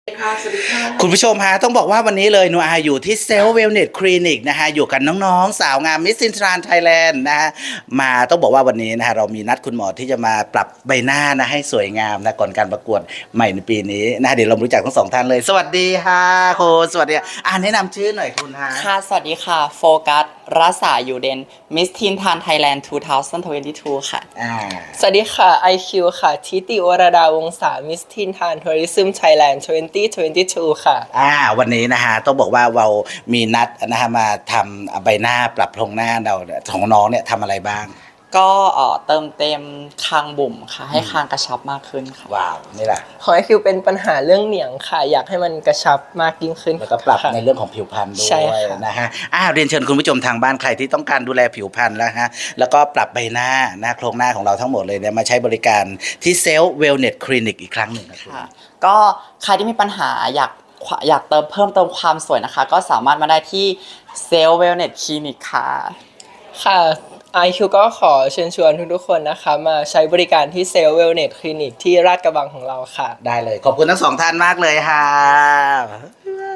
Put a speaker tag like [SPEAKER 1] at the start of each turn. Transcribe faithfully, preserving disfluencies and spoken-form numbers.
[SPEAKER 1] คุณผู้ชมฮะต้องบอกว่าวันนี้เลยหนูอาอยู่ที่เซลล์เวลเนสคลินิกนะฮะอยู่กันน้องๆสาวงามมิสซินทรานไทยแลนด์นะฮะมาต้องบอกว่าวันนี้นะฮะเรามีนัดคุณหมอที่จะมาปรับใบหน้านะให้สวยงามนะก่อนการประกวดใหม่ในปีนี้นะเดี๋ยวเรารู้จักทั้งสองท่านเลยสวัสดีค่ะคุณสวัสดีอ่าแนะนำชื่อหน่อยคุณฮะ
[SPEAKER 2] ค่ะสวัสดีค่ะโฟกัสรัศาอยู่เดนมิสทีนทานไทยแลนด์สองพันยี่สิบสองค่ะ
[SPEAKER 1] อ่า
[SPEAKER 3] สวัสดีค่ะ ไอ คิว ค่ะทิติวรดาวงศามิสทินทานทัวริซึมไทยแลนด์สองพันยี่สิบสองค่ะ
[SPEAKER 1] อ่าวันนี้นะฮะต้องบอกว่าเรามีนัดนะฮะมาทำใบหน้าปรับโครงหน้าเราของน้องเนี่ยทำอะไรบ้าง
[SPEAKER 2] ก็เอ่อเติมเต็มคางบุ๋มค่ะให้คางกระชับมากขึ้นค่ะ
[SPEAKER 1] ว้าวนี่แหละ
[SPEAKER 3] ของ ไอ คิว เป็นปัญหาเรื่องเหนียงค่ะ อยากให้มันกระชับมากยิ่งขึ้น
[SPEAKER 1] แล้วก็ปรับ
[SPEAKER 3] ค่ะ
[SPEAKER 1] ในเรื่องของผิวพรรณด้ว
[SPEAKER 3] ใช่
[SPEAKER 1] ย
[SPEAKER 3] ค่ะ
[SPEAKER 1] นะฮะอ้าวเรียนเชิญคุณผู้ชมทางบ้านใครที่ต้องการดูแลผิวพรรณแล้วฮะแล้วก็ปรับใบหน้าหน้าโครงหน้าของเราทั้งหมดเลยเนี่ยมาใช้บริการที่เซลล์เวลเนสคลินิกอีกครั้งหนึ่งครับ
[SPEAKER 2] ค่ะก็ใครที่มีปัญหาอยากอยากเติมเพิ่มเติมความสวยนะคะก็สามารถมาได้ที่เซลเวลเนสคลินิกค่ะ
[SPEAKER 3] ค่ะ ไอ คิว ก็ขอเชิญชวนทุกๆคนนะคะมาใช้บริการที่เซลเวลเนสคลินิกที่ลาดกระบังของเราค่ะ
[SPEAKER 1] ได้เลยขอบคุณทั้งสองท่านมากเลยค่ะ